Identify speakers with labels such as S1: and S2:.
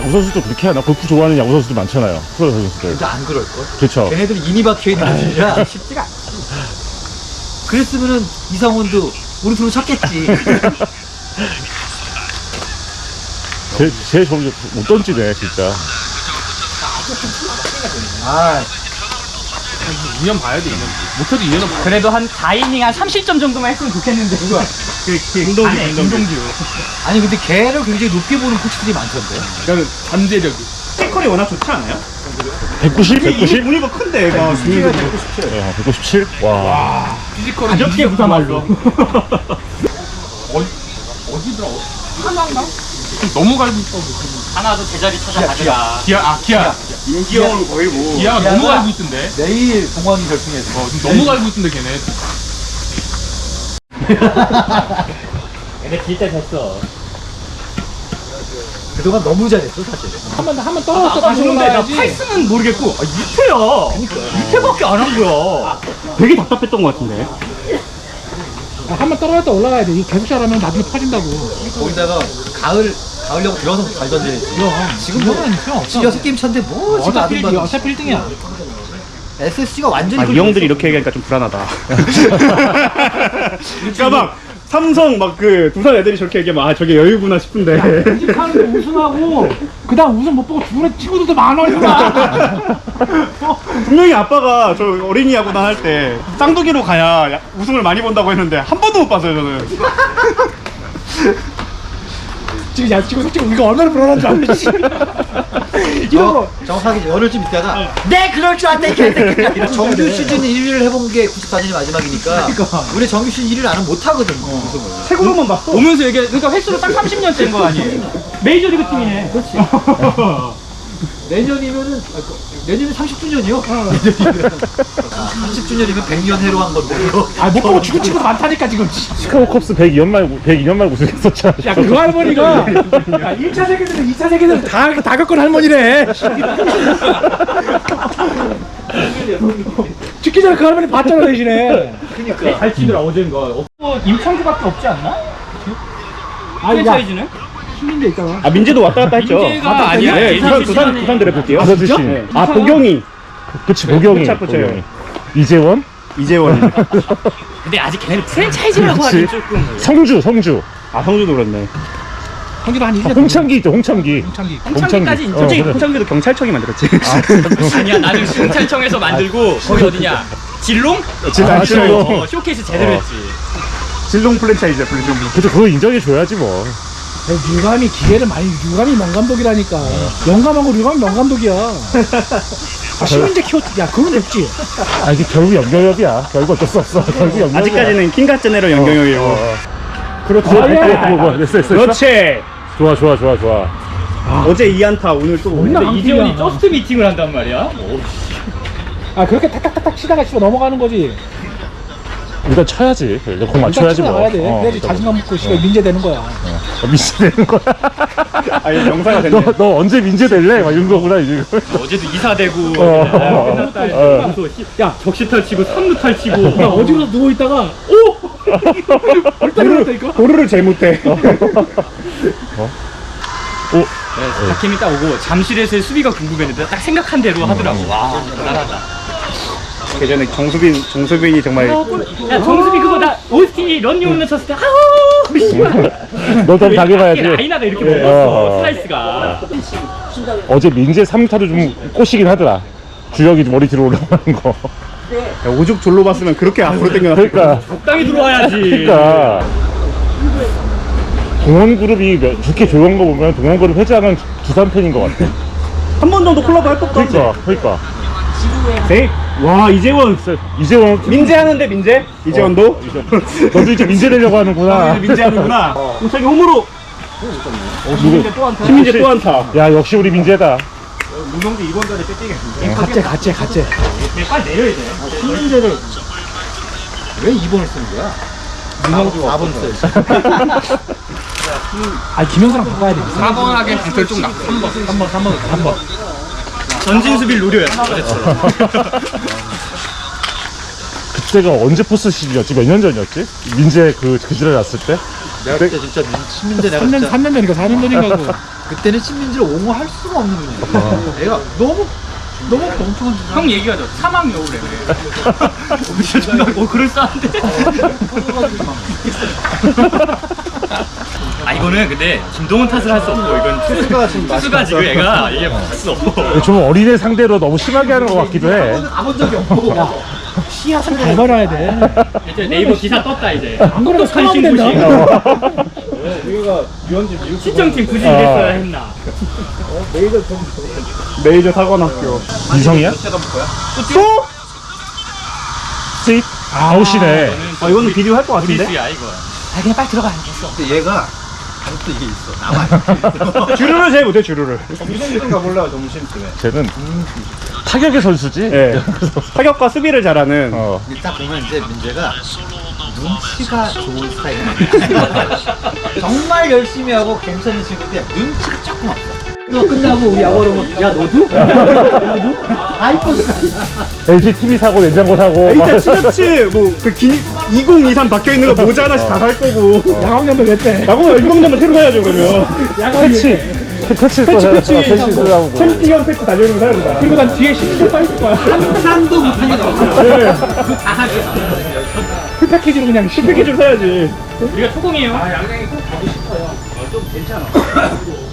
S1: 야구 선수도 그렇게 하나? 골프 좋아하는 야구 선수도 많잖아요. 프로 선수들.
S2: 근데 안 그럴걸?
S1: 그렇죠.
S2: 걔네들이 인이 박혀있는 것이라 쉽지가 않지. 그랬으면은 이상훈도 우리 팀으로 쳤겠지.
S1: 쟤 점점 못 던지네, 진짜.
S2: 아,
S3: 2년 봐야 돼, 2년. 못해도 2년은 봐야 돼.
S4: 그래도 한 4이닝 한 30점 정도만 했으면 좋겠는데. 누가? 운동기.
S2: 아니 근데 걔를 굉장히 높게 보는 코치들이 많던데.
S3: 그러니까 잠재력이.
S4: 피지컬이 워낙 좋지 않아요?
S1: 190? 190?
S4: 보니까 큰데, 얘가.
S1: 197? 와.
S3: 피지컬은
S4: 가볍게 부사말로.
S3: 어디더라? 하나인가? 너무 갈고 있다고.
S4: 하나도 제자리 찾아가자.
S3: 기아.
S4: 인기형은 거의 뭐.
S3: 기아가 너무 갈고 있던데.
S2: 내일 동원 결승에서.
S3: 지금 너무 갈고 있던데, 걔네.
S4: 얘네 질 때 됐어.
S2: 그동안 너무 잘했어 사실.
S5: 한번 떨어졌다 다시
S4: 근데 나
S5: 올라가야지.
S4: 팔승은 모르겠고, 6회야. 6회밖에 안 한 거야. 되게 답답했던 것 같은데.
S5: 한번 떨어졌다 올라가야 돼. 이거 계속 잘하면 나중에 퍼진다고.
S2: 거기다가 가을려고 들어가서 잘 던지네. 지금 뭐
S5: 있어.
S2: 6게임 차인데 뭐 지금
S5: 어차피
S2: 아둔바둔.
S5: 어차피 1등이야.
S2: SSG가 완전히
S4: 이 형들이 이렇게 얘기하니까 좀 불안하다. 그러니까 막 삼성 막 그 두산 애들이 저렇게 얘기하면 아 저게 여유구나 싶은데.
S5: 하는데 우승하고 그다음 우승 못 보고 죽은 친구들도 많아요.
S4: 분명히 아빠가 저 어린이 야구단 할 때 쌍둥이로 가야 우승을 많이 본다고 했는데 한 번도 못 봤어요 저는.
S5: 지금 솔직히 우리가 얼마나 불안한 줄 알지? 이런 거
S2: 정확하게 열흘쯤 있다가 네 그럴 줄 알았다 이 개새끼야. 정규 시즌 1위를 해본 게 94년이 마지막이니까 우리 정규 시즌 1위를 안 하면 못하거든 우승을.
S4: 최고로만 봤어.
S5: 오면서 얘기해. 그러니까 횟수로 딱 30년 된 거 아니에요? 메이저리그 팀이네. 그렇지.
S2: 내년이면은 내년이 30주년이요? 내년이면 30주년이면 100년 해로 한 건데.
S5: 못 보고 죽은 친구도 많다니까 지금.
S1: 시카고 컵스 102년 말고 우승했었잖아.
S5: 야, 그 할머니가 야, 1차 세계대전, 2차 세계대전 다 겪은 할머니래. 죽기 전에 그 할머니 봤잖아 대신에.
S2: 그러니까
S4: 잘 치더라 어젠가.
S5: 임창규밖에 없지 않나?
S4: 프랜차이즈는?
S5: 신민재 있잖아.
S4: 아 민재도 왔다 갔다 했죠.
S5: 민재가 아니야.
S4: 네, 두산 드래프트요.
S1: 부산 출신.
S4: 아 보경이.
S1: 그치, 보경이.
S4: 보경이.
S1: 이재원?
S4: 이재원.
S6: 근데 아직 걔네는 프랜차이즈라고 하긴 조금.
S1: 성주.
S4: 아 성주도 그렇네.
S5: 형기도 한 2년.
S1: 홍창기 있죠, 홍창기.
S6: 홍창기까지 인정.
S4: 솔직히
S1: 그래.
S4: 홍창규도 경찰청이 만들었지.
S6: 아니야 나는 경찰청에서 만들고 거기 어디냐 진롱?
S1: 진롱.
S6: 쇼케이스 제대로 했지.
S4: 진롱 프랜차이즈야 진롱.
S1: 그쵸, 그거 인정해줘야지 뭐.
S5: 유감이 기회를 많이 유감이 명감독이라니까. 영감하고 유감이 명감독이야. 신민재 키웠지. 야 그건 됐지.
S1: 아, 이게 결국 연결협이야. 결국 어쩔 수 없어. 결국 연결협이야.
S4: 아직까지는 킹가 제네럴 연경영이고.
S1: 그렇지. 됐어.
S4: 그렇지.
S1: 좋아.
S4: 어제 2안타 오늘 또.
S5: 맨날
S6: 근데 이재원이 저스트 미팅을 한단 말이야?
S5: 아 그렇게 탁탁탁탁 치다가 치고 넘어가는 거지.
S1: 일단 쳐야지. 일단 공 맞춰야지 뭐.
S5: 나가야 돼. 그래야지 자신감 먹고 씨발 민재 되는 거야.
S1: 민재 되는 거야.
S4: 아 이거 명사가 됐네.
S1: 너 언제 민재 될래? 막 이런 거구나, 이제.
S6: 어제도 이사되고
S1: 끝났다.
S5: 야
S6: 적시탈 치고 3루탈 치고
S5: 야 어디로 누워 있다가 벌떡 일어났다니까.
S4: 도루를 제일 못해.
S6: 박힘이 딱 오고 잠실에서의 수비가 궁금했는데 딱 생각한 대로 하더라고. 와 대단하다.
S4: 예전에 정수빈이 정말
S6: 야 정수비 그거 나 OST 런닝홈런 쳤을 때 아우 씨발
S1: 너도 당해봐야지.
S6: 라이나가 이렇게 먹었어 슬라이스가.
S1: 어제 민재 3타도 좀 꼬시긴 하더라. 주력이 머리 뒤로 올라가는 거.
S4: 야, 오죽 졸로 봤으면 그렇게 앞으로 당겨놨을
S1: 그러니까.
S6: 적당히 들어와야지.
S1: 그러니까. 동원그룹이 좋게 조용한 거 보면 동원그룹 회장은 두산 팬인 것 같아.
S4: 한번 정도 콜라보 할 법도 한데.
S1: 그러니까.
S4: 네? 와 이재원.
S1: 이재원.
S4: 민재 하는데 민재? 이재원도?
S1: 너도 이제 민재 되려고 하는구나.
S4: 민재 하는구나. 홍창이 홈으로.
S1: 누구?
S4: 신민재 또 한타.
S1: 야, 역시 우리 민재다.
S5: 가째.
S6: 빨리 내려야 돼.
S2: 신민재를 왜 2번을 쓰는 거야? 문성주 4번 써야지.
S5: 아 김영사랑 바꿔야 돼.
S3: 4번 하기엔 강철 좀 나.
S2: 3번.
S6: 전진 수비를 노려야 돼. 어제처럼.
S1: 그때가 언제 포스 시즌이었지? 몇 년 전이었지? 민재 그 지랄 났을 때?
S2: 내가 그때 진짜 신민재 내가
S5: 3년
S2: 진짜
S5: 3년 전인가 4년 전인가 고
S2: 그때는 신민지를 옹호할 수가 없는 분이에요. 애가 너무 멍청한 짓을
S6: 형 얘기하죠. 사막 여우래 그래. 진짜 존나 그럴싸한데. 아 이거는 근데 김동훈 탓을 할 수 없고 이건 투수가 지금 애가 이게 봤어.
S1: 좀 어린애 상대로 너무 심하게 하는 것 같기도 해.
S2: 가본 적이 없고.
S5: 씨앗을 잘 말아야 돼.
S6: 이제 네이버 기사 떴다 이제.
S5: 안 그러면 사망 된다.
S6: 시청팀 굳이 이랬어야 했나.
S4: 메이저 사관학교.
S1: 유성이야? 또? 스윗? 아웃이네.
S4: 아 이거는 비디오 할 것 같은데?
S6: 우리수야 이거.
S5: 아 그냥 빨리 들어가. 됐어.
S2: 근데 얘가 아직도 이게 있어. 남아.
S4: 주루를 제일 못해 주루를.
S1: 쟤는 타격의 선수지?
S4: 예. 타격과 수비를 잘하는.
S2: 딱 보면 이제 민재가 눈치가 좋은 스타일이야. 정말 열심히 하고 괜찮은 친구인데 눈치가 조금 없어. 너 끝나고 우리 야구로 야 너도? 너도? 아이폰
S1: LG TV 사고 냉장고 사고.
S4: 일단 티셔츠 뭐그 2023 박혀 있는 거 모자 하나씩 다 살 거고.
S5: 야광년도 몇 대?
S4: 야구 일병장만 새로 사야죠 그러면.
S5: 야광이.
S1: 패치 쓰라고.
S4: 챔피언 패치 달려있는 거 사야 된다.
S5: 그리고 난 뒤에 신경 빠질 거야.
S2: 상도 못하게 나와.
S5: 풀 패키지로 그냥
S4: 패키지로 사야지.
S6: 우리가 초공이에요.
S5: 양양이 꼭 가고 싶어요. 좀 괜찮아.